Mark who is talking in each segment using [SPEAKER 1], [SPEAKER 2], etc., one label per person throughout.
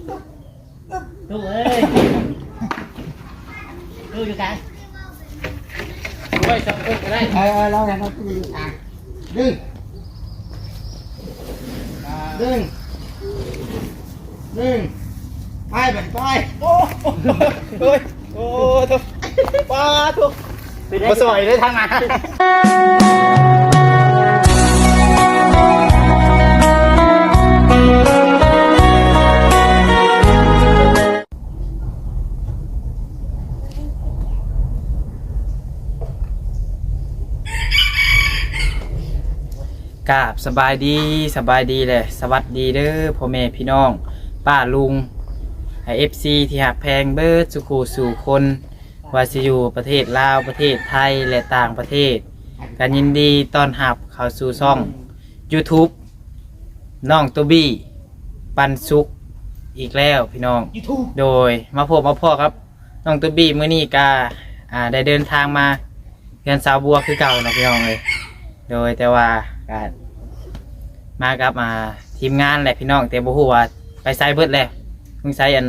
[SPEAKER 1] ตู้เอ้ยตู้อยู่กลางไว้สับก็ได้
[SPEAKER 2] เราเนี่ยเราตู้อยู่กลางดึงไปแบบไปโอ้ยโอ้ทุกป้าทุกมาสวยได้ทางไหน
[SPEAKER 3] กราบสบายดีเลยสวัสดีเด้อพ่อแม่พี่น้องป้าลุงให้ FC ที่หักแพงเบิดสุขูสู่คนว่าสิอยู่ประเทศลาวประเทศไทยและต่างประเทศกันยินดีต้อนรับเข้าสู่ช่อง YouTube น้องตัวบี้ปันสุขอีกแล้วพี่น้องโดยมาพบมาพ่อครับน้องตัวบี้มื้อนี้ก็ได้เดินทางมาเรือนสาวบัวคือเก่านะพี่น้องเลยโดยแต่ว่าการมากับทีมงานแหละพี่น้องแต่บ่ฮู้ว่าไปไซเบิดแล้วมึงไซอัน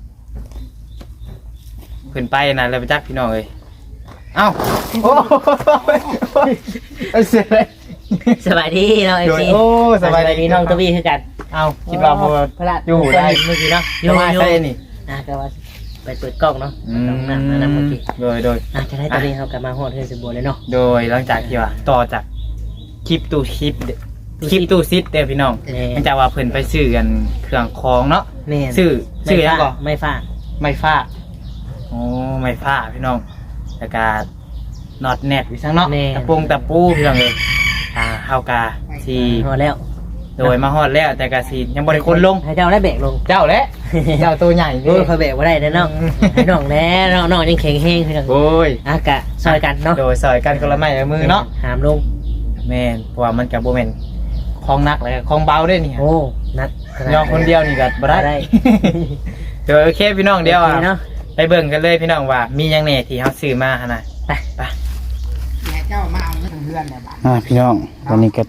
[SPEAKER 3] เพิ่นไปนะแล้วไปจักพี่น้องเอ้ยเอ้าโอ้เสียเลย
[SPEAKER 1] สบายดีน้องเอฟซี
[SPEAKER 3] โอ้สบายดี
[SPEAKER 1] น้องตัวบี้คือกัน
[SPEAKER 3] เอ้าคิดว่าบ่
[SPEAKER 1] พระ
[SPEAKER 3] อยู่ได้
[SPEAKER 1] เมื่อกี้เนาะ
[SPEAKER 3] อยู่มาใส่นี่
[SPEAKER 1] ก็ว่าไปเปิดกล้องเนาะกล้องหน้าเมื่อกี้
[SPEAKER 3] โดย
[SPEAKER 1] จะได้ตอนนี้เขากลับมาฮอดเฮือนสมบูรณ์เลยเนาะ
[SPEAKER 3] โดยหลังจากที่ว่าต่อจากคลิปตู้ซิดเด้อพี่น้องหลังจากว่าเพิ่นไปซื้อกันเครื่องของเนาะ
[SPEAKER 1] แม่
[SPEAKER 3] ซื้อหยังก่อ
[SPEAKER 1] ไม่ฟ้า
[SPEAKER 3] ไม้ฟ้าโอ้ไม้ฟ้าพี่น้องแล้วก็น็อตแนบอยู่ซังเนาะตะปูพี่น้องเลยเฮากาสิ
[SPEAKER 1] ฮอดแล้ว
[SPEAKER 3] โดยมาฮอดแล้วแต่ก็สิยังบ่ได้คนลง
[SPEAKER 1] ให้เจ้าได้แบกลง
[SPEAKER 3] เจ้าแหละ เจ้าตัวใหญ่
[SPEAKER 1] โอ้ยเขาแบกบ่ได้เนาะให้น้องแน่น้องยังแข็งแรงพี่น้อง
[SPEAKER 3] โอ้ย
[SPEAKER 1] กะซอยกันเนาะ
[SPEAKER 3] โดยซอยกันคนละไม้ละมือเนาะ
[SPEAKER 1] หามลง
[SPEAKER 3] แม่นเพราะว่ามันก็บ่แม่นของหนักแล้วก็ของเบาด้วยนี่
[SPEAKER 1] โอ้นัด
[SPEAKER 3] ยองคนเดียวนี่ก็บ่ได้เดี๋ยวโอเคพี่น้องเดี๋ยว
[SPEAKER 1] เนาะ
[SPEAKER 3] ไปเบิ่งกันเลยพี่น้องว่ามีหยังแหน่ที่เฮาซื้อมาหั่นน่ะไป
[SPEAKER 2] เจ้ามาเอาเงินเพื่อนเนี่ยบ้าน
[SPEAKER 3] พี่น้องวันนี้ก็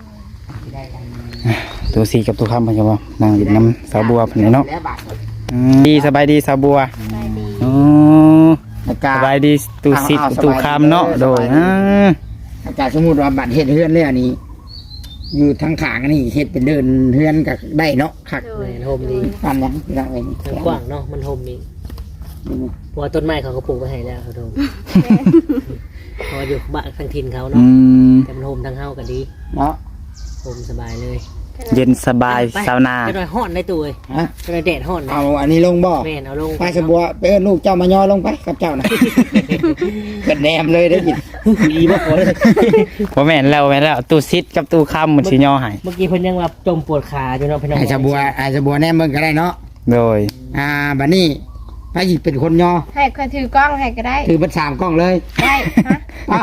[SPEAKER 3] ตัวสีกับตัวคำเพิ่นก็บ่นั่งอยู่น้ำสาวบัวเพิ่นเนาะดีสบายดีสาวบัวอ๋อสบายดีตัวสีตัวคำเนาะโดย
[SPEAKER 2] อาจารย์สมมุติว่าบัตรเฮ็ดเฮือนเลยอันนี้อยู่ทางขางนี่เฮ็ดเป็นเดินเฮือนก็ได้เนาะคัก
[SPEAKER 1] โฮมดี
[SPEAKER 2] ฟันยังยังเอง
[SPEAKER 1] กว้างเนาะมันโฮมดีเพราะว่าต้นไม้เขาก็ปลูกไว้ให้แล้วเขาโฮมพออยู่บ้านทางถิ่นเขาเนาะแต่มันโฮมทางเฮาก็ดี
[SPEAKER 2] เนาะ
[SPEAKER 1] โฮมสบายเลย
[SPEAKER 3] เย็นสบายสาวนา
[SPEAKER 1] จะได้ฮ้อนได้ตัวเอ้ยจะได้แดดฮ้อน
[SPEAKER 2] เอาอันนี้ลงบ่
[SPEAKER 1] แม่นเอาลง
[SPEAKER 2] ไปสบัวไปเอิ้นลูกเจ้ามาย่อลงไปกับเจ้านะเกิดแนมเลยได้ยิน
[SPEAKER 1] ดีบ่คน
[SPEAKER 3] บ่แม่นแล้วตู้ซิดกับตู้คำมันสิย่อให้
[SPEAKER 1] เมื่อกี้เพิ่นยังว่าจมปวดขาอยู่เนาะพี่น้อง
[SPEAKER 2] ไอ้สบัวแนมเบิ่งก็ได้เนาะ
[SPEAKER 3] โดย
[SPEAKER 2] บัดนี้ไปสิเป็นคนย่อ
[SPEAKER 4] ให้คนถือกล้องให้ก็ได้
[SPEAKER 2] ถือเบิด3กล้องเลย
[SPEAKER 4] ได้ฮะ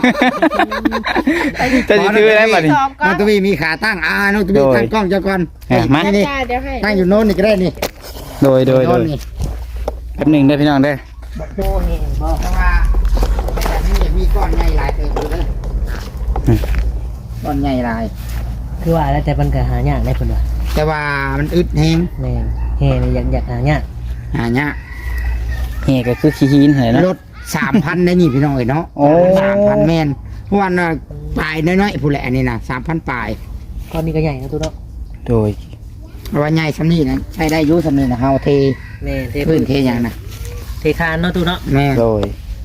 [SPEAKER 3] จะถือได้บัดนี้
[SPEAKER 2] น้องตุ้ยมีขาตั้งน้องตุ้ยตั้งกล้องเจ้าก่อน
[SPEAKER 3] มา
[SPEAKER 2] นี่ตั้งอยู่โน้นนี่ก็ได้นี่
[SPEAKER 3] โดยแป๊บนึงเด้อพี่น้องเด้อ
[SPEAKER 1] โตเองบ่
[SPEAKER 2] แต่ว่าแบบนี้มีก้อนใหญ่หลายเติบอยู่เด้อก้อนใหญ่หลาย
[SPEAKER 1] คือว่าแล้วแต่มันก็หายากได้เพิ่นว่า
[SPEAKER 2] แต่ว่ามันอึดแฮง
[SPEAKER 1] แม่เฮ้นี่อยากหายาก
[SPEAKER 2] หายาก
[SPEAKER 3] เฮก็คือขี้หินเหรอนะ
[SPEAKER 2] รถ 3,000 ได้นี่พี่น้องเอ้ยเนาะ 3,000 แม่นเพราะว่าปลายน้อยๆผู้แหละอันนี้นะ 3,000 ปลาย
[SPEAKER 1] ตอนนี้ก็ใหญ่นะตู้เนาะ
[SPEAKER 3] โดย
[SPEAKER 2] เพราะว่าใหญ่ซำนี้นะใช้ได้อยู่ซำนี้นะเฮาเท
[SPEAKER 1] แม่เท
[SPEAKER 2] พื้นเทหยังนะ
[SPEAKER 1] เทคานเนาะตู้เนาะ
[SPEAKER 2] แม่
[SPEAKER 3] โดย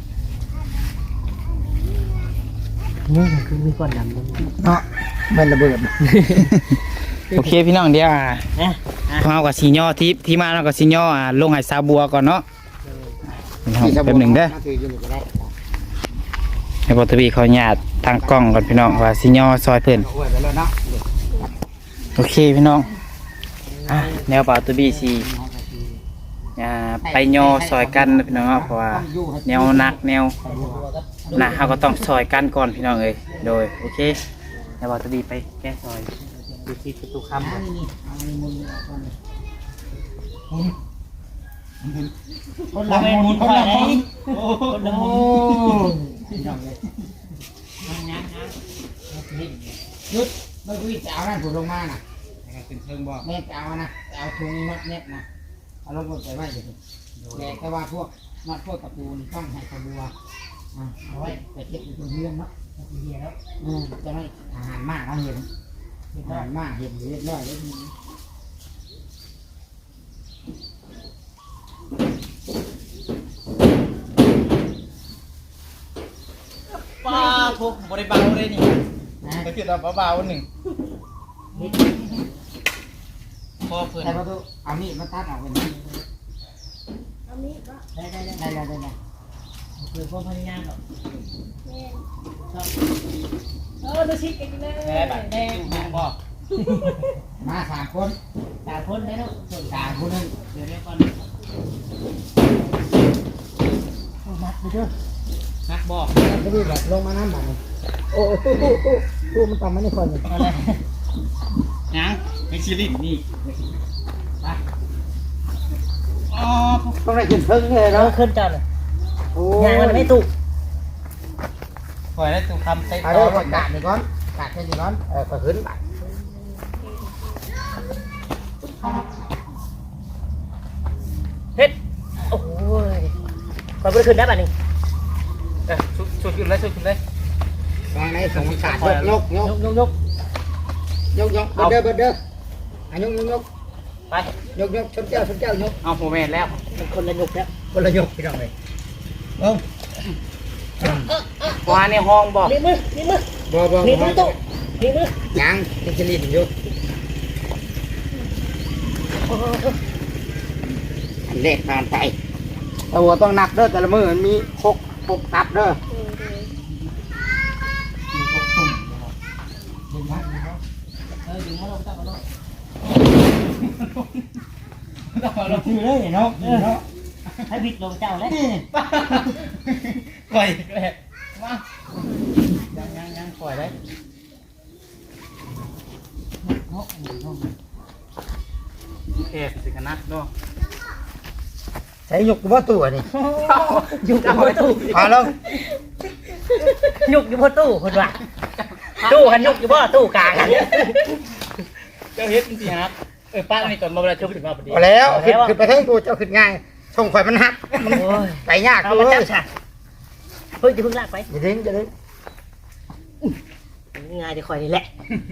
[SPEAKER 1] นี่คือมีก้อนดำ
[SPEAKER 2] เนาะมันระเบิด
[SPEAKER 3] โอเคพี่น้องเดี๋ยว
[SPEAKER 1] นะ
[SPEAKER 3] เฮากับสิย่อที่มาเนาะก็สิย่อลงให้สาวบัวก่อนเนาะแป๊บนึงเด้อให้บ่ทวีเขาญาติทางกล้องก่อนพี่น้องว่าสิย่อซอยเพิ่นโอเคพี่น้องแนวป่าตัวบี้สิไปย่อซอยกันนะพี่น้องเพราะว่าแนวหนักแนวหนักเฮาก็ต้องซอยกันก่อนพี่น้องเอ้ยโดยโอเคแนวป่าตัวบี้ไปแก้ซอยดูที่ประตูคำ
[SPEAKER 1] คนละเวนคนละไหนคนละมุน
[SPEAKER 2] ยุดไม่คุยจะเอานั่นถูกลงมาน่ะเป็นเชิงบ่แม่จะเอานะจะเอาถุงน็อตเน็ตนะเอาลงไปไว้เดี๋ยวแต่ว่าพวกนัดพวกตะปูนี่ต้องให้ขบัวเอาไว้ไปเก็บอยู่ตรงเรือนเนาะ
[SPEAKER 1] เฮียแล้ว
[SPEAKER 2] จะไม่อาหารมากเราเห็นอาหารมากเห็นเรียบร้อยแล้วทีนี้
[SPEAKER 3] ป้าทุกบริบาลเลยนี่ก็คือตอนเบาๆหนึ่งพอเพื่อน
[SPEAKER 2] แต่ว่าตัวเอามีดมาตัดออกเป็นนี้
[SPEAKER 4] เอามีดก็
[SPEAKER 2] ได้
[SPEAKER 1] คือพวกพนักงานแบบ
[SPEAKER 4] แม่น
[SPEAKER 1] ชอบดูชิคกันเลย
[SPEAKER 3] แม่แบบแดงแม่บอก
[SPEAKER 2] มา3 คน
[SPEAKER 1] ตาพ้นได้แล้วส่วน
[SPEAKER 2] 3 คนนึง
[SPEAKER 1] เดี๋ยวเรียกก่อนมัดไปเถอะ
[SPEAKER 3] นักบอก
[SPEAKER 2] จะรีบแบบลงมาน้ำมันโอ้ตู้มันต่ำมาในคนเลย
[SPEAKER 1] อะไร
[SPEAKER 3] ยังไม่ชิลินนี่อ๋อ
[SPEAKER 2] ต้องได้ขึ้นเพิ่งเลย
[SPEAKER 1] เรา
[SPEAKER 2] เนาะ
[SPEAKER 1] ขึ้นจอดเลย
[SPEAKER 2] โอ้
[SPEAKER 1] งานมันไม่ถูก
[SPEAKER 3] คอยได้ตุกคำเต็ม
[SPEAKER 2] เอา
[SPEAKER 3] ต่
[SPEAKER 2] เด้
[SPEAKER 3] อ
[SPEAKER 2] อกาดนี่ก่อนกาดแค่นี้ก่อนก็ขึ้นไป
[SPEAKER 1] เฮ็ดโอ้ยคอยไปขึ้นได้ป่ะนี่
[SPEAKER 3] ชุดขึ้นเลยชุดขึ้นเลย
[SPEAKER 2] วางในสองกาดยก
[SPEAKER 1] ยก
[SPEAKER 2] เด้ออันยก
[SPEAKER 3] ไป
[SPEAKER 2] ชนแก้วยก
[SPEAKER 3] เอาโมเมนต์แล้ว
[SPEAKER 1] มันคนละยกแล้ว
[SPEAKER 2] คนละยกพี่น้องเลยลง
[SPEAKER 3] วาในห้องบอก
[SPEAKER 1] นี่มือ
[SPEAKER 2] บ่
[SPEAKER 1] นี่มือตู้นี่มือ
[SPEAKER 2] ยังจะลิ้นอยู่อันเล็กผ่านไปแต่ว่าต้องนับเด้อแต่ละมือมันมี6ตับเด้อ
[SPEAKER 1] ดึงมาลงจับมาลง
[SPEAKER 2] เราถือเลยเนาะ
[SPEAKER 1] ให้บิดลงเจ้าแล้ว
[SPEAKER 3] ปล่อยเลยมายังปล่อยได้เอฟสิกันนะเนาะ
[SPEAKER 2] ใช้ยกว่าตัวนี่
[SPEAKER 1] ยุกอยู่บนตู้
[SPEAKER 2] พาลง
[SPEAKER 1] ยุกอยู่บนตู้คนว่าตู้หันยุกอยู่บ่ตู้กลางหัน
[SPEAKER 3] เจ้าเฮ็ดจริงๆครับป้าในตอนมาเวลาชุบถึงมาพอดี
[SPEAKER 2] พอแล้วขึ้นไปทั้งตัวเจ้าขึ้นง่ายส่งข่อยมันหักมันไปยาก
[SPEAKER 1] เอา
[SPEAKER 2] เล
[SPEAKER 1] มาย จับฉากเฮ้ยจะเพิ่งลากไป
[SPEAKER 2] อย่าดึง
[SPEAKER 1] ง่ายจะคอยนี่แหละ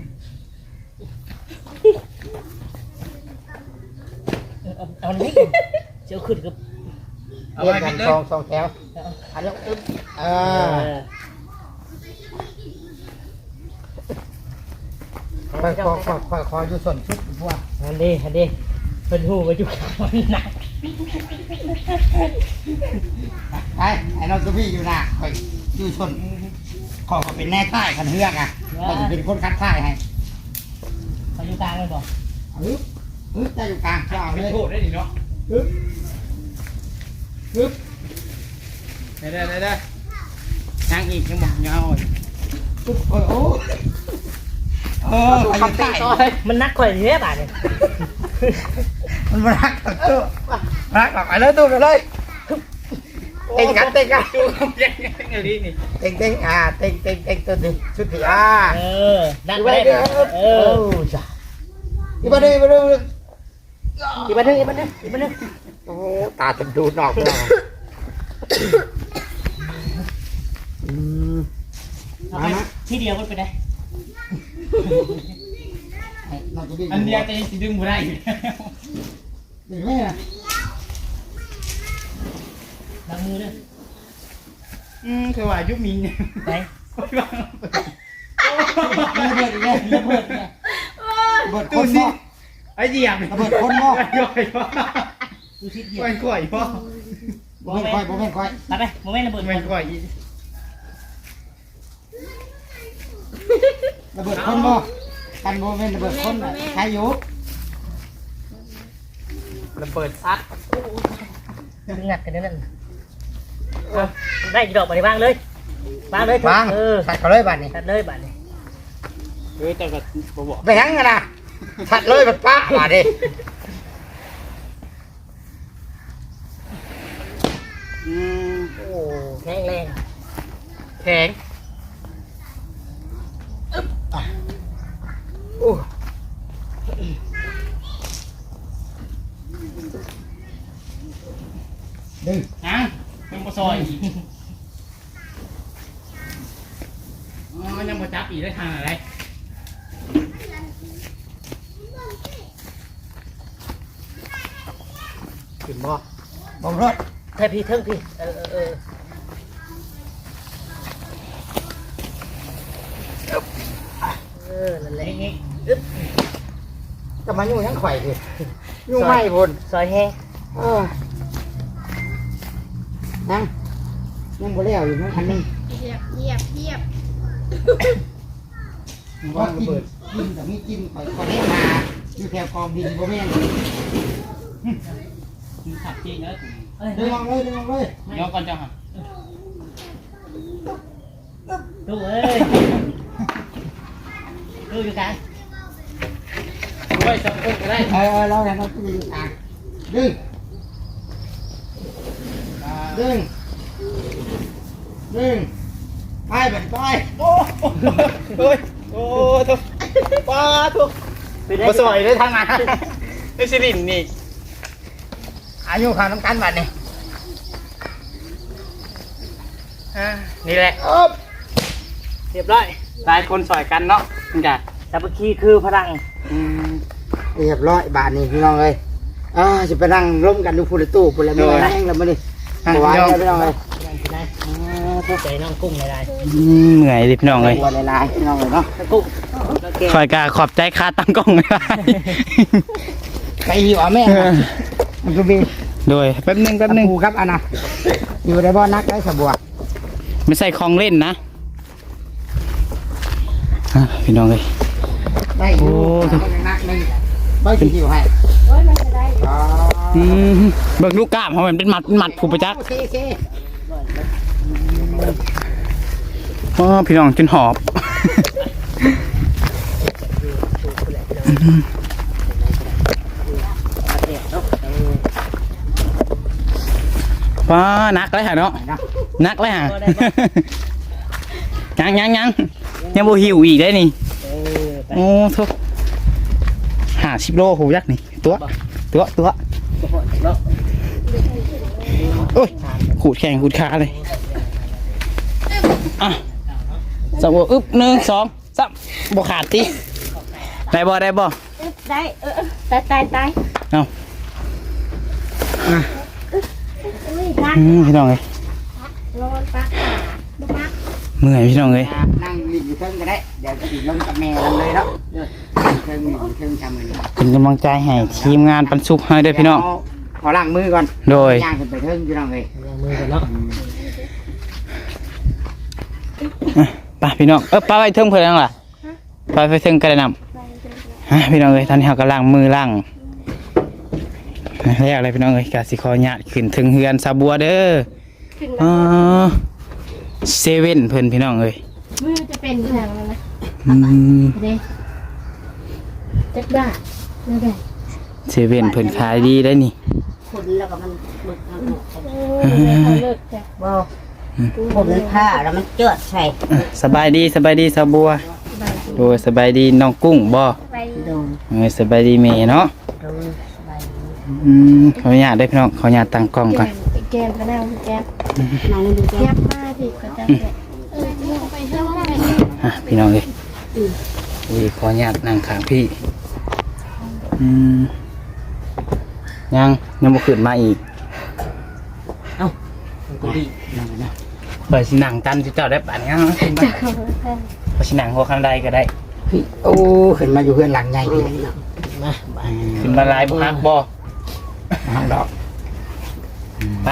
[SPEAKER 1] เอาอันนี้เจ้าขึ้นกับ
[SPEAKER 3] เอา
[SPEAKER 2] เรีย
[SPEAKER 3] ไว้
[SPEAKER 2] กกั
[SPEAKER 3] กัน
[SPEAKER 2] น
[SPEAKER 3] เลย
[SPEAKER 2] สองแถวอันนี้อึ๊บคอยอยู่ส่วนชุดพวก
[SPEAKER 1] อันนี้เป็นหูมาจุกมันหนัก
[SPEAKER 2] ไอ้น้องตัวพี่อยู่น่ะคอยอยู่ส่วนขอเป็นแน่ท่ายคันเฮือกอ่ะก็จะเป็นคนคัดท่ายให้
[SPEAKER 1] เขาอยู่กลางเลยบอก
[SPEAKER 2] อึ๊บจะอยู่กลางเจ้า
[SPEAKER 3] ไม่
[SPEAKER 2] เลย
[SPEAKER 3] โทษได้ดิเนาะ
[SPEAKER 2] อึ๊บ
[SPEAKER 3] ได้ยังอีกยังบอกยังเอา
[SPEAKER 2] โอ้คำใต้
[SPEAKER 1] มันนักข่อยเนี้ยบ่าเนี่ย
[SPEAKER 2] มันรักตัดตัวรักออกไปเลยตัวไปเลยเต็งกัน
[SPEAKER 3] ดูคำยังอะไรนี่
[SPEAKER 2] เต็งตัวหนึ่งชุดที่
[SPEAKER 1] ดัน
[SPEAKER 2] อี
[SPEAKER 1] ไป
[SPEAKER 2] บ้าเด้อจ้ะอีบ้าเด้อโอ้ตาจนดูนอกเลย
[SPEAKER 1] เอาไปที่เดียวมันไปได้
[SPEAKER 3] อันเดียวจะยังดึงบ่ได้อยู่
[SPEAKER 2] เดี๋ยวแม่
[SPEAKER 1] ล้างมือด้วย
[SPEAKER 3] คือว่ายุบมินเนี่ย
[SPEAKER 1] ไป
[SPEAKER 2] ระเบิดเนี่ยเบิดค
[SPEAKER 3] ตู้
[SPEAKER 2] น
[SPEAKER 3] ซิ
[SPEAKER 2] มอ
[SPEAKER 3] ไอ้เหี้ย
[SPEAKER 2] ระเบิดคนมอ
[SPEAKER 3] ย่อยพ่อ
[SPEAKER 1] ดูชิดเดียว
[SPEAKER 3] แม่งก่อยพ่อ
[SPEAKER 2] บ่แม่นค่อย
[SPEAKER 1] ไปโมเมนต์ระเบิด
[SPEAKER 3] แม่งก่อย
[SPEAKER 2] ระเบิดคนมอกันโมเมนระเบิดคนใครอยู่
[SPEAKER 3] ระเบิดซัด
[SPEAKER 1] งัดกันนั่นได้กี่ดอกมาในบ้างเลยบ้างเลย
[SPEAKER 2] บางถัดเขาเลยบ้านนี้
[SPEAKER 1] ตัดเลยบ้านนี้
[SPEAKER 3] แต่ก็บอก
[SPEAKER 2] ไปยังกันนะถัดเลยแบบป้าบ้านนี้
[SPEAKER 1] โอ้แข็งแรง
[SPEAKER 3] แข็ง
[SPEAKER 2] โอ้ดึง
[SPEAKER 3] นะยังบ่ซอยอีกอ๋อยังบ่จับอีกได้ทางอะไร
[SPEAKER 1] ขึ้นบ่
[SPEAKER 2] บอมรถ
[SPEAKER 1] แท้พี่เทิงพี่นั่นแหละ
[SPEAKER 2] จะมาอยู่ยังไข่ดิอยู่ไม่พุ่น
[SPEAKER 1] ซอยแห้ง
[SPEAKER 2] ยังบ่แล้วอยู่นะอันนึง
[SPEAKER 4] เหยียบ
[SPEAKER 2] ก็กินแต่มีกินข่อยก็ได้มาอยู่แถวกองดินบ่แม่น
[SPEAKER 3] ขับจริงเนอะ
[SPEAKER 2] ดึงออกเลยดึงออกเลย
[SPEAKER 3] ยกก่อนจ้ะครับ
[SPEAKER 1] ตู้เอ้ยตู้อยู่กลาง
[SPEAKER 3] ด้วยจับกุ้งก็ได้
[SPEAKER 2] เราเนี่ยเราต้องอยู่อ่ะดึงดึงดึงไปเป็นไป
[SPEAKER 3] โอ้ยโอ้ทุกป้าทุก
[SPEAKER 2] บ่สวยเลยทางนั้น
[SPEAKER 3] นี่สิรินนี่
[SPEAKER 2] อายุข้าวน้ำกันบัดนี่
[SPEAKER 3] นี่แหละ
[SPEAKER 1] เรียบร้อย
[SPEAKER 3] หลายคนสอยกันเนาะนี่จ้ะ
[SPEAKER 1] สามัคคีคือพลัง
[SPEAKER 2] เรียบร้อยบาทนี่พี่น้องเอ้ยจะไปนั่งร่วมกันดูพูดตู้พูดอะไรไม่ได้แห้งแล้วมาดิหวานเลยพี่น้องเอ้ย
[SPEAKER 1] นั่นคือได้ผู้ใจน้องกุ้งหลาย
[SPEAKER 3] เหนื่อยดิพี่น้องเลย
[SPEAKER 2] หัวลายพี่น้องเลยเนาะ
[SPEAKER 1] ๆกุ้ง
[SPEAKER 3] คอยกาขอบใจค่าตั้งกล้องไม่ได้
[SPEAKER 2] ไปหิวแม่มันก็มี
[SPEAKER 3] โดยแป๊บนึง
[SPEAKER 2] ปูครับอันน่ะอยู่ในบ่อนักได้สบัว
[SPEAKER 3] ไม่ใส่ของเล่นนะพี่น้องเลย
[SPEAKER 2] ได้อยู่นักนึงไม่กี่หิวให้
[SPEAKER 4] โอ้ยมันจะได้
[SPEAKER 3] เบิกลูกกล้ามเขาเป็นมัดผูกประจักษ์
[SPEAKER 2] โอเค
[SPEAKER 3] อ๋อพี่น้องจนหอบว้านักเลยฮะเนาะนักเลยฮะยังโบหิวอีกได้นี่โอ้ทุก50 โลหูยักษ์นี่ตัวโอ้ยขูดแข่งขูดขาเลยอ่ะสมบูรณ์อึ๊บ1 2 3บ่ขาดติได้บ่
[SPEAKER 4] ได้ตาย
[SPEAKER 3] เอา
[SPEAKER 4] อุ้ยพัก
[SPEAKER 3] พี่น้องเลย
[SPEAKER 4] นอนปักปัก
[SPEAKER 3] เมื่อยพี่น้องเลย
[SPEAKER 2] นั่งอยู่เทิงก็ได้เดี๋ยวจะลงกับแม่กันเลยเนาะเทิงทำมือ
[SPEAKER 3] เป็นกำลังใจให้ทีมงานปันสุกให้ด้วยพี่น้อง
[SPEAKER 2] ขอล้างมือก่อน
[SPEAKER 3] โดย
[SPEAKER 2] ย่างขึ้นไปเทิงพี่น้องเลย
[SPEAKER 1] ยังมือกันเนาะ
[SPEAKER 3] ไปพี่น้องป้าไปเทิงเพื่อนล่ะไปเทิงกระนำพี่น้องเลยตอนนี้เขากำลังมือล่างแรกอะไรพี่น้องเลยกาสิคอหยาดขึ้นถึงเฮือนซาบัวเด้อ
[SPEAKER 4] ขึ้น
[SPEAKER 3] อ๋
[SPEAKER 4] มา
[SPEAKER 3] อเซเว่นเพิ่นพี่น้องเลย
[SPEAKER 4] มือจะเป็นทางแล้วนะ เด้จักบ้าไม่ได้
[SPEAKER 3] เซเว่นเพิ่นขายดีได้นี่
[SPEAKER 5] คนแล้วก็มันบึกเอา
[SPEAKER 4] โอ้ยเขาเลิกจ้ะ
[SPEAKER 5] บ่คนผ้าแล้วมันเจือดใส่
[SPEAKER 3] สบายดีซาบัวโดยสบายดีน้องกุ้งบ่
[SPEAKER 4] ไป
[SPEAKER 5] โดน
[SPEAKER 3] สบายดีเมย์เนาะ
[SPEAKER 5] โดนสบายดี
[SPEAKER 3] ขออนุญาตได้พี่น้องขออนุญาตตั้งกล้องก่อน
[SPEAKER 4] แกมก็ได้แกม
[SPEAKER 5] นางดูแก
[SPEAKER 4] แกมมาดิก็จะไปเท่าไหร่
[SPEAKER 3] พี่น้องเลยขออนุญาตนั่งข้างพี่ยังบ่ขึ้นมาอีก
[SPEAKER 1] มันก็ดี
[SPEAKER 3] เปิดสิหนังตันที่เจ้าได้ป่านนี้ขึ้นมา
[SPEAKER 4] จะเข้าไป
[SPEAKER 3] เปิดสิหนังหัวคันใดก็ได้
[SPEAKER 2] พี่โอ้ขึ้นมาอยู่เพื่อนหลังใหญ่พี่
[SPEAKER 1] มาไป
[SPEAKER 3] ขึ้นมาลายบุฮักบ่
[SPEAKER 2] ห้องดอก
[SPEAKER 3] ไป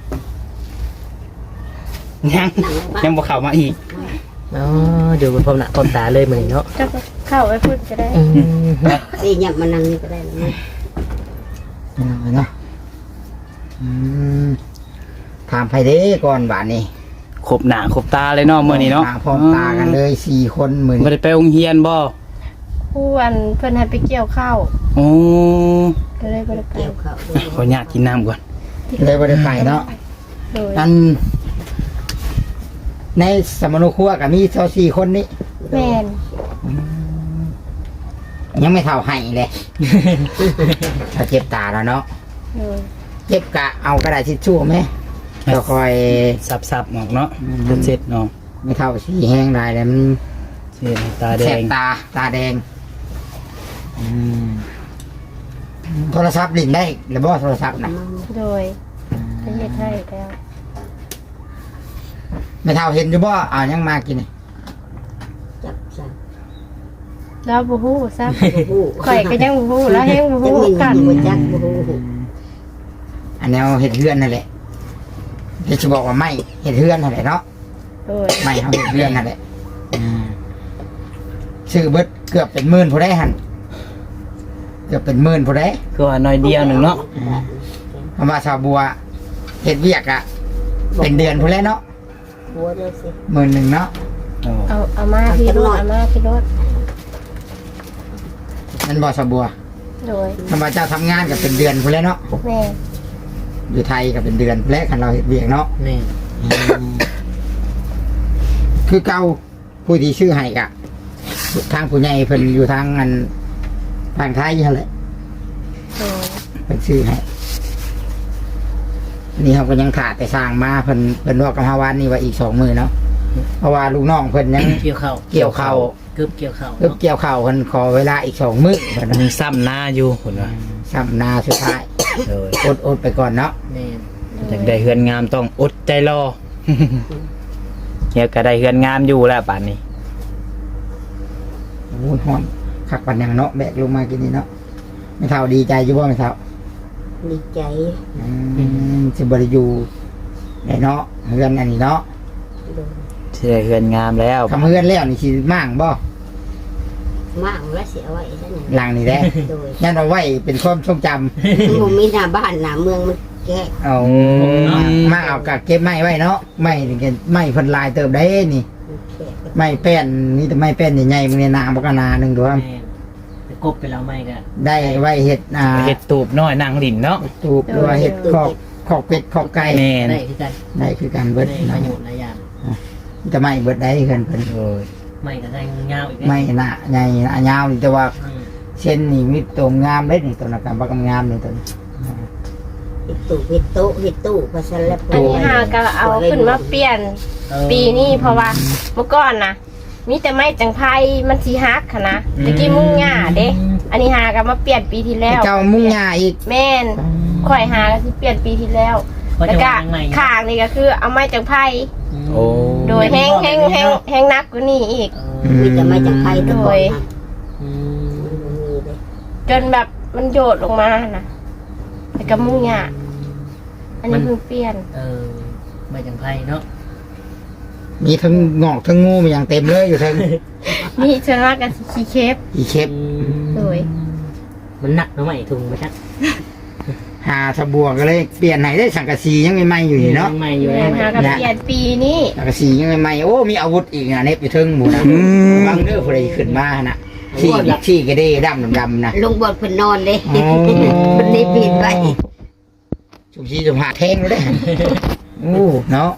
[SPEAKER 3] ยังบ่เข้ามาอีก
[SPEAKER 1] อ๋อเดี๋ยวมันพร้อมหน้าพร้อมตาเลยมื้อนี้เนาะ
[SPEAKER 4] จะเข้าไปพูดก็ได้
[SPEAKER 5] ดีเนี่ยมันนั่งนี่ก็ได้แล้วนะ
[SPEAKER 2] เนาะถามไผเด้ก่อนบาทนี้
[SPEAKER 3] ครบหน้าครบตาเลยเนาะมื้อนี้เนาะ
[SPEAKER 2] พร้อมตากันเลย4 คนมื้อ
[SPEAKER 3] บ่
[SPEAKER 2] นี้
[SPEAKER 3] ได้ไปโรงเรียนบ่
[SPEAKER 4] ผู้อันเพิ่นให้ไปเกี่ยวข้าว
[SPEAKER 3] โอ้
[SPEAKER 4] ก็เลยบ่ได้ไป
[SPEAKER 5] เกี่ยวเขา
[SPEAKER 3] ขออนุญาตกินน้ำก่อน
[SPEAKER 2] เลยบ่ได้ไปเนาะ
[SPEAKER 4] โดย
[SPEAKER 2] อันในสมนุครัวก็มี4คนนี้
[SPEAKER 4] แม่น
[SPEAKER 2] ยังไม่เท่าให้เลย ถ้าเจ็บตาแล้วเนาะ
[SPEAKER 4] โดย
[SPEAKER 2] เจ็บกะเอากระดาษทิชชู่ไหมก็คอย
[SPEAKER 3] สับๆออกเนาะจนเสร็จเนาะ
[SPEAKER 2] ไม่เท่าสีแห้งได้แล้วมัน
[SPEAKER 3] เสร็จตาแด
[SPEAKER 2] แสบ
[SPEAKER 3] ง
[SPEAKER 2] ตาแดงโทรศัพท์ลิ้นได้หรือบ่โทรศัพท์นะ
[SPEAKER 4] โดยประเทศให้แล้ว
[SPEAKER 2] ไม่เท่าเห็นอยู่บ่เอายังมากินนี่
[SPEAKER 5] จับสั่ง
[SPEAKER 4] แล้วบูฮู้ซับ
[SPEAKER 5] บูฮู้
[SPEAKER 4] ข่อยก็ยังบูฮู้แล้วแห้งบู
[SPEAKER 5] จั
[SPEAKER 4] ฮู้
[SPEAKER 5] กมิน
[SPEAKER 4] กัน
[SPEAKER 5] อยู่จักบูฮู้
[SPEAKER 2] อันแนวเห็ดเฮือนนั่นแหละที่จะบอกว่าไม่เห็ดเฮือนนั่นแหละเนาะ
[SPEAKER 4] โดย
[SPEAKER 2] ไม่เขาเห็ดเฮือนนั่นแหละซื้อเบิดเกือบเป็นหมื่นผู้ได้หันเกือบเป็นหมื่นผู้ได้
[SPEAKER 3] คือว่าน้อยเดียวหนึ่งเนาะ
[SPEAKER 2] คำว่าชาวบัวเห็ดเวียกอะเป็นเดือนผู้แล้วเนาะ
[SPEAKER 5] บัวเด้อสิ
[SPEAKER 2] 10,000เนาะ
[SPEAKER 3] โอ้
[SPEAKER 4] เอามาพี่รถเอามาพี่รถ
[SPEAKER 2] นั่นบ่ชาวบัว
[SPEAKER 4] โดย
[SPEAKER 2] คำว่าเจ้าทำงานกับเป็นเดือนผู้แล้วเนาะ
[SPEAKER 4] แม่
[SPEAKER 2] อยู่ไทยกับเป็นเดือนผู้แล้วคันเราเห็ดเวียกเนาะ
[SPEAKER 1] นี่
[SPEAKER 2] คือเก่าผู้ที่ชื่อให้กะทางผู้ใหญ่เพิ่นอยู่ทางอันทางไทยนั่นแหละ
[SPEAKER 4] โดย
[SPEAKER 2] เป็นชื่อให้นี่เขาก็ยังขาดแต่สร้างมาเพิ่นว่ากับฮาวานนี่ว่าอีก20,000เนาะเพราะว่าลูกน้องเพิ่นยัง
[SPEAKER 1] เกี่ยวข้าว
[SPEAKER 2] เกี่ยวข้าว
[SPEAKER 1] กึบเกี่ยวข้าว
[SPEAKER 2] เพิ่นเกี่ยวข้าวเพิ่นขอเวลาอีก2 มื้อเพิ่น
[SPEAKER 3] มีซ้ำหน้าอยู่คนว่า
[SPEAKER 2] ซ้ำนาสุดท้าย
[SPEAKER 3] โดย
[SPEAKER 2] อดไปก่อนเนาะ
[SPEAKER 1] นี่
[SPEAKER 3] อยากได้เฮือนงามต้องอดใจรอ เฮียก็ได้เฮือนงามอยู่แล้วป่านนี้
[SPEAKER 2] โอ้ยฮ้อนคักปันยังเนาะแบกลงมากินนี่เนาะไม่เท่าดีใจอยู่บ่ไม่เท่า
[SPEAKER 5] ดีใจ
[SPEAKER 2] สิบ่ได้อยู่ได้เนาะเฮือนอันนี้เนาะ
[SPEAKER 5] โดย
[SPEAKER 3] สิได้เฮือนงามแล้ว
[SPEAKER 2] ทำเฮือนแล้วนี่สิมั่างบ่
[SPEAKER 5] มากแล้วเสียไว้ซะหน่อย
[SPEAKER 2] หลังนี่แหละ
[SPEAKER 5] โดย
[SPEAKER 2] ยันเอาไว้เป็นความทรงจำ
[SPEAKER 5] ผมมีหน้าบ้านหน้าเมืองมันแก่
[SPEAKER 2] เอามาเอากะเก็บไม้ไว้เนาะไม้นี่ก็ไม้เพิ่นลายเติบได้นี่
[SPEAKER 5] แก่
[SPEAKER 2] ไม้แป้นนี่แต่ไม้แป้นใหญ่ๆมึงเนี่ยนาบ่ก็นาหนึงดูว่า
[SPEAKER 1] แม่ไปกบไปแล้วไม่ก็
[SPEAKER 2] ได้ไว้เฮ็ด
[SPEAKER 3] เฮ็ดตูบน้อยนางหลินเนาะ
[SPEAKER 2] ตูบหรือว่าเฮ็ดคอกเป็ดคอกไก่
[SPEAKER 3] แม่น
[SPEAKER 1] ได้คือกัน
[SPEAKER 2] ได้คือกันเบิด
[SPEAKER 1] ได้ประโยชน์หลายอย่าง
[SPEAKER 2] จะไม่เบิดได้เพิ่น
[SPEAKER 3] โอ้ย
[SPEAKER 1] ไม่ก็ได้เงาอีก
[SPEAKER 2] ไม่หน้าใหญ่หน้ายาวนี่แต่ว่า
[SPEAKER 1] อืม
[SPEAKER 2] เช่นนี่มีตัวงามเด้นี่ตัวนักการบักงามนี่ตัวนี้
[SPEAKER 5] เฮ็ดตู้เฮ็ดโต๊ะเฮ็ดตู้ภาษาละ
[SPEAKER 4] อันนี้หาก็เอาขึ้นมาเปลี่ยน
[SPEAKER 1] เออ
[SPEAKER 4] ปีนี้เพราะว่าเมื่อก่อนนะมีแต่ไม้จังไพมันสีฮักค่ะนะตะกี้มุ่งหญ้าเด้ อันนี้หาก็มาเปลี่ยนปีที่แล้ว
[SPEAKER 2] เจ้ามุ่งหญ้าอีก
[SPEAKER 4] แม่นข่อยหาก็สิเปลี่ยนปีที่แล้ว
[SPEAKER 1] เพราะ
[SPEAKER 4] แล้ว
[SPEAKER 1] จะ
[SPEAKER 4] ก็
[SPEAKER 1] วางใหม่
[SPEAKER 4] ข้างนี่ก็คือเอาไม้จังไพ
[SPEAKER 3] โอ้
[SPEAKER 4] โดยแห้งนักกว่านี้อีก
[SPEAKER 5] มีแต่มาจากไทยแต่ก่อนนะ
[SPEAKER 1] อืม
[SPEAKER 5] มันบ่มีเลย
[SPEAKER 4] จนแบบมันโยดลงมานะแล้วก็มุ่งหญ้าอันนี้เพิ่งเปลี่ยน
[SPEAKER 1] เออไม่จังไพ่เนาะ
[SPEAKER 2] มีทั้งงอกทั้งงูมันอย่างเต็มเลยอยู่ทั้ง
[SPEAKER 4] นี่ส่วนมากก็สิขี้เคฟ
[SPEAKER 2] อีเชฟ
[SPEAKER 4] โดย
[SPEAKER 1] มันหนักเนาะไหมถุงมาชัก
[SPEAKER 2] หาสบัวก็เลยเปลี่ยนไหนได้สังกะสียังไม่ไหม้อยู่นี่เนาะ
[SPEAKER 1] ใหม่อยู่
[SPEAKER 4] แม่
[SPEAKER 1] เลย
[SPEAKER 4] หาก็เปลี่ยนปีนี้
[SPEAKER 2] สังกะสียังไม่ไหม้โอ้มีอาวุธอีกนะเน็บอยู่เทึงหมูนะบังเด้อผู้ใดขึ้นมานะขี้กระเด้ดำนะ
[SPEAKER 5] ลงบทเพิ่นนอนเลย
[SPEAKER 2] อ๋อ
[SPEAKER 5] เพิ่นได้ปิดไว้
[SPEAKER 2] ชุบชีสุภาแท่งเลยเด้อโอ้เนาะ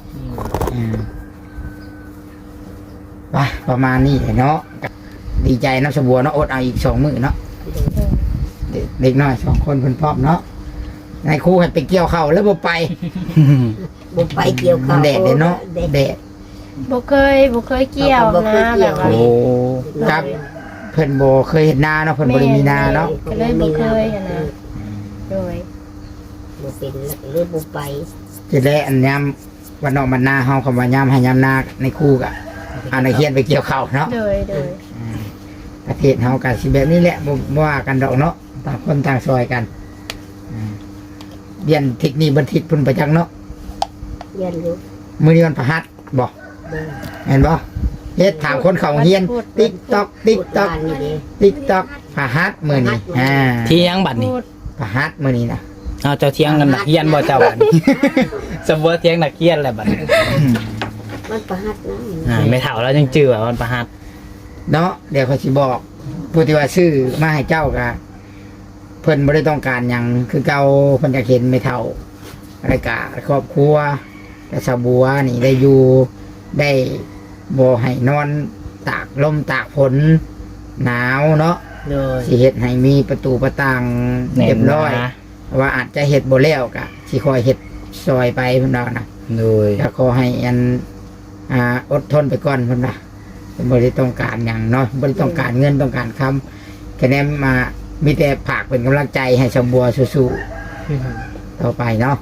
[SPEAKER 2] ไปประมาณนี้แหละเนาะดีใจเนาะสบัวเนาะอดเอาอีก2 มื้อเนาะเด็กน้อย2 คนเพิ่นพร้อมเนาะในครูให้ไปเกี่ยวข้าวแล้วบ่ไป
[SPEAKER 5] บ่ไปเกี่ยว
[SPEAKER 2] มั
[SPEAKER 5] ข้านว
[SPEAKER 2] แดดเลยเนาะแดด
[SPEAKER 4] บ่เคยเกี่ยวนะแบบว่า
[SPEAKER 3] โอ้
[SPEAKER 2] ครับ เพิ่นบ่เคยเห็นนาเนาะเพิ่นบ่ได้มีนาเนาะ
[SPEAKER 4] ก็เลยบ่เคยอะนะโดย
[SPEAKER 5] บ่เป็นแล้วก็เลยบ่ไป
[SPEAKER 2] จะได้อันยามวันนอกมันนาเฮาคำว่ายามให้ยามนาในครูกะเอานักเรียนไปเกี่ยวข้าวเนาะ
[SPEAKER 4] โดย
[SPEAKER 2] ประเทศเฮาก็สิแบบนี้แหละบ่ว่ากันดอกเนาะต่างคนต่างซอยกันเรียนเทคนิคบัณฑิตพุ่นประจักษ์เนาะ
[SPEAKER 5] ยันอยู่
[SPEAKER 2] มื้อนี้วันพฤหัสบ่
[SPEAKER 5] เด้อ
[SPEAKER 2] เห็นบ่เฮ็ดถามคนเขาเรียน TikTok
[SPEAKER 5] พูด
[SPEAKER 2] TikTok
[SPEAKER 5] บ้านนี่เด้
[SPEAKER 2] TikTok พฤหัสมื้อนี้
[SPEAKER 3] เที่ยงบัดนี้
[SPEAKER 4] พูด
[SPEAKER 2] พฤหัสมื้อนี้นะ
[SPEAKER 3] เอาเจ้าเที่ยงกันนักเรียนบ่เจ้าบัดนี้ สมบูรณ์เที่ยงนักเรียนแหละบัดนี้
[SPEAKER 5] มันประหัดนะ
[SPEAKER 3] ไม่เท่าแล้วจังจื้อว่ามันประหัส
[SPEAKER 2] เนาะเดี๋ยวเขาสิบอกผู้ที่ว่าซื้อมาให้เจ้าก็เพิ่นบ่ได้ต้องการหยังคือเก่าเพิ่นจะเห็นไม่เท่าอะไรกะครอบครัวแต่สาวบัวนี่ได้อยู่ได้บ่ให้นอนตากลมตากฝนหนาวเนาะ
[SPEAKER 1] โดย
[SPEAKER 2] สิเฮ็ดให้มีประตูประต่างเรียบร้อย
[SPEAKER 3] แ
[SPEAKER 2] ว่าอาจจะเฮ็ดบ่แล้วก็สิคอยเฮ็ดซอยไปเพิ่นว่านะ
[SPEAKER 3] โดย
[SPEAKER 2] ก็ขอให้อันอดทนไปก่อนเพิ่นว่าบ่ได้ต้องการหยังเนาะบ่ได้ต้องการเงินต้องการคำแค่นั้นมามีแต่ฝากเป็นกำลังใจให้ชาวบัวสู้ๆต่อไปเนาะ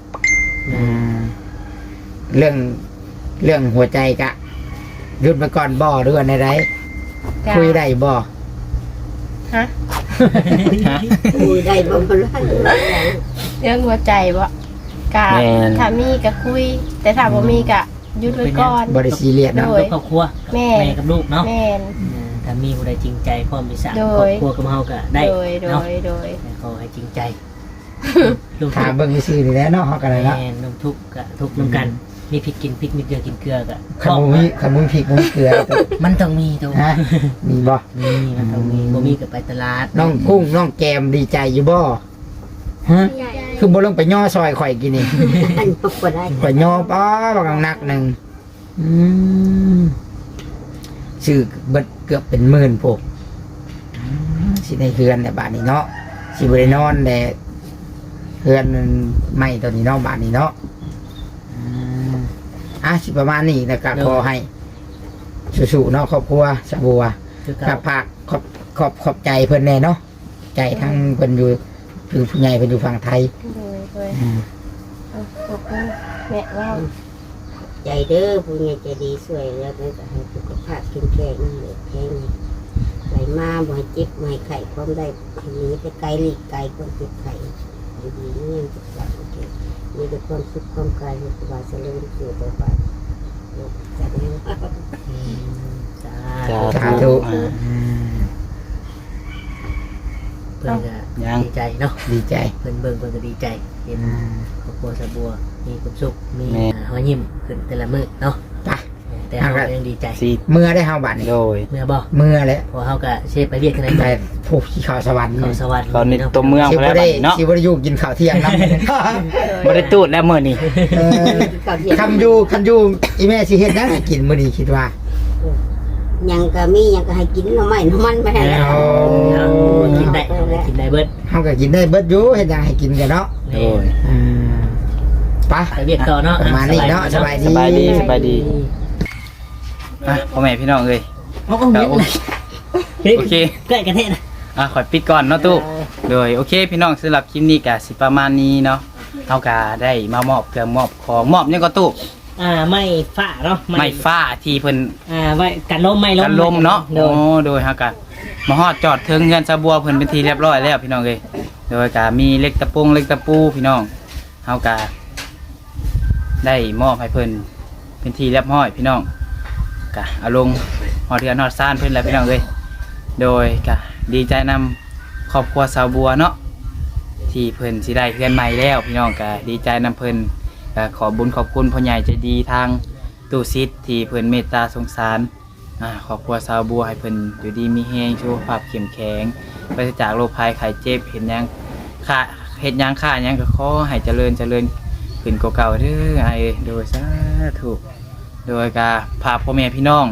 [SPEAKER 2] เรื่องหัวใจกะหยุดไปก่อนบ่หรือว่าในไร
[SPEAKER 4] จ้ะ
[SPEAKER 2] คุยได้บ่
[SPEAKER 4] ฮะ
[SPEAKER 5] คุยได้บ่บ่รู้
[SPEAKER 4] เรื่องหัวใจบ่กะถ้ามีก็คุย แต่ถ้าบ่มีก็หยุดไว้ก่อน
[SPEAKER 2] บ่ได้ซีเรียส
[SPEAKER 4] โด
[SPEAKER 2] เนาะ
[SPEAKER 4] ย
[SPEAKER 1] ครอบครัวกับ
[SPEAKER 4] แม่
[SPEAKER 1] แม่กับลูกเนาะ
[SPEAKER 4] แม่น
[SPEAKER 1] ถ้ามีผู้ใดจริงใจพร้อมที่สร้าง
[SPEAKER 4] โด
[SPEAKER 1] ครอย บครัวกับเฮาก็ได้
[SPEAKER 4] โดย
[SPEAKER 1] เนาะ
[SPEAKER 4] โดย
[SPEAKER 1] แต่ขอให้จริงใจลูก
[SPEAKER 2] ถามเบิ่งซื่อๆนี่แหละเนาะเฮาก็ได้เนาะ
[SPEAKER 1] แม่น้ำทุกข์ก็ทุกข์น้ำกัน มีพริกกินพริกมีเกลือกินเกลือก็
[SPEAKER 2] คันบ่มีพริกบ่มีเกลือ
[SPEAKER 1] มันต้องมีตัว
[SPEAKER 2] ฮะมีบ่
[SPEAKER 1] มีมันต้องมีบ่มีก็ไปตลาด
[SPEAKER 2] น้องกุ้งน้องแกมดีใจอยู่บ่ฮะคือบ่ลงไปย่อซอยข่อยกินนี่
[SPEAKER 5] อันบ่ได้
[SPEAKER 2] ข่อยย่อป้อบักหนักหนึงซื้อเบิดเกือบเป็นหมื่นพวกสิได้เฮือนแต่บาดนี้เนาะสิบ่ได้นอนแต่เฮือนมันไหม้ตัวนี้เนาะบาดนี้เนาะสิประมาณนี้แล้วก็ขอให้สู้ๆเนาะครอบครัวสะบัว
[SPEAKER 1] คือ
[SPEAKER 2] กั
[SPEAKER 1] กั
[SPEAKER 2] บบ ภาคขอบใจเพิ่นแน่เนาะใจทั้งเพิ่นอยู่คือผู้ใหญ่เพิ่นอยู่ฝั่งไทย
[SPEAKER 4] โดยเอาขอบคุณแม่ว่า
[SPEAKER 5] ใจเด้อผู้ใหญ่ใจดีช่วยแล้วก็ให้สุขภาพแข็งแรงเลยแข็งไหลมาบ่ให้เจ็บบ่ให้ไข้ความได้ให้หนีไปไกลหลีกไกลความเจ็บไข้ให้ดีเงี้ยจะกลับโอเคมีแต่ความสุขความกายสบายเจริญสุขต่อไปจัดให้
[SPEAKER 2] สาธุ
[SPEAKER 1] เพิ่นก็ดีใจเนาะ
[SPEAKER 2] ดีใจ
[SPEAKER 1] เพิ่นเบิ่งเพิ่นก็ดีใจเห็นครอบครัวสะบัวมีความสุขมีรอยยิ้มขึ้นแต่ละมื้อเนาะ
[SPEAKER 2] ไป
[SPEAKER 1] แต่เฮาก็ยังดีใจ
[SPEAKER 3] สิ
[SPEAKER 2] เมื่อได้เฮาบัดนี้
[SPEAKER 3] โดย
[SPEAKER 1] เมื่อบ่
[SPEAKER 2] เมื่อแล้ว
[SPEAKER 1] พอเฮาก็เชฟไปเรียกกันได้
[SPEAKER 2] ไปผูกที่เขาสวรรค์
[SPEAKER 1] เขาสวรรค์
[SPEAKER 3] ตอนนี้ตัวเมือง
[SPEAKER 2] สิ
[SPEAKER 3] ไปแล้ว
[SPEAKER 2] บ่ได้
[SPEAKER 3] บัดนี้เนาะ
[SPEAKER 2] สิบ่ได้อยู่กินข้าวเที่ยงนำ
[SPEAKER 3] บ่ได้ตูดแล้วมื้อนี้
[SPEAKER 2] คันอยู่อีแม่สิเฮ็ดหยังให้กินมื้อนี้คิดว่า
[SPEAKER 5] ยังก็มียังก็ให้กินหน่อไม้หน่อมันไปให้แล้ว
[SPEAKER 1] กินได้กินได้เบิด
[SPEAKER 2] เฮาก็กินได้เบิดอยู่เฮ็ดหยังให้กินกันเนาะ
[SPEAKER 3] โดย
[SPEAKER 2] ไป
[SPEAKER 1] ไปเรียกต่อเนาะ
[SPEAKER 2] ประมาณนี้เนาะสบายดี
[SPEAKER 3] สบายดีพ่อแม่พี่น้องเอ้ย
[SPEAKER 1] โอเคใกล้กันแท้นะ
[SPEAKER 3] ขอปิดก่อนเนาะตู้โดยโอเคพี่น้องสำหรับคลิปนี้ก็สิประมาณนี้เนาะเฮาก็ได้มามอบเครื่องมอบของมอบหยังก็ตู้
[SPEAKER 1] ไม่ฝ้าเนาะ
[SPEAKER 3] ไม้ฟ้าที่เพิ่น
[SPEAKER 1] ไว้กันลมไม่ลม
[SPEAKER 3] กันลมเนาะ
[SPEAKER 1] โด
[SPEAKER 3] โอ้
[SPEAKER 1] ย
[SPEAKER 3] โดยเฮาก็มาฮอดจอดถึงเงินสะบัวเพิ่นเป็นที่เรียบร้อยแล้วพี่น้องเอ้ยโดยก็มีเล็กตะปูเล็กตะปูพี่น้องเฮาก็ได้มอบให้เพิ่นเป็นที่เรียบร้อยพี่น้องก็เอาลงฮอดเรือนฮอดซ่านเพิ่นแล้วพี่น้องเอ้ยโดยก็ดีใจนำครอบครัวสาวบัวเนาะที่เพิ่นสิได้เรือนใหม่แล้วพี่น้องก็ดีใจนำเพิ่นก็ขอบุญขอบคุณพ่อใหญ่ใจดีทางตู้ซิดที่เพิ่นเมตตาสงสารครอบครัวสาวบัวให้เพิ่นอยู่ดีมีแรงสุขภาพเข้มแข็งปราศจากโรคภัยไข้เจ็บเห็นหยังค่าเฮ็ดหยังค่าหยังก็ขอให้เจริญขึ้นกว่าเก่าเด้อไอ้โดยสาธุโดยก็พาพ่อแม่พี่น้อง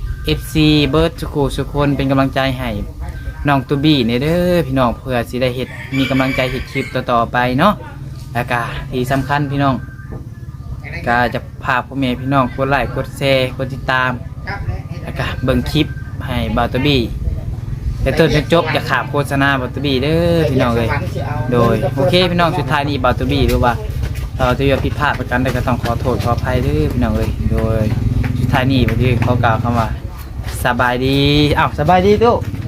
[SPEAKER 3] FC เบิร์ดสุคนเป็นกำลังใจให้น้องตูบี้เนี่ยเด้อพี่น้องเพื่อสิได้เฮ็ดมีกำลังใจเฮ็ดคลิปต่อๆไปเนาะแล้วก็ที่สำคัญพี่น้องก็จะพาพ่อแม่พี่น้องกดไลค์กดแชร์กดติดตามแล้วก็เบิ่งคลิปให้บ่าวตูบี้แต่ต้นจนจบอย่าขาดโฆษณาบ่าวตูบี้เด้อพี่น้องเลยโดยโอเคพี่น้องสุดท้ายนี้บ่าวตูบี้หรือว่าเราจะผิดพลาดประกันใดก็ต้องขอโทษขออภัยเด้อพี่น้องเลยโดยสุดท้ายนี้บ่าวตูบี้ขอกล่าวคำว่าสบายดีสบายดีตู้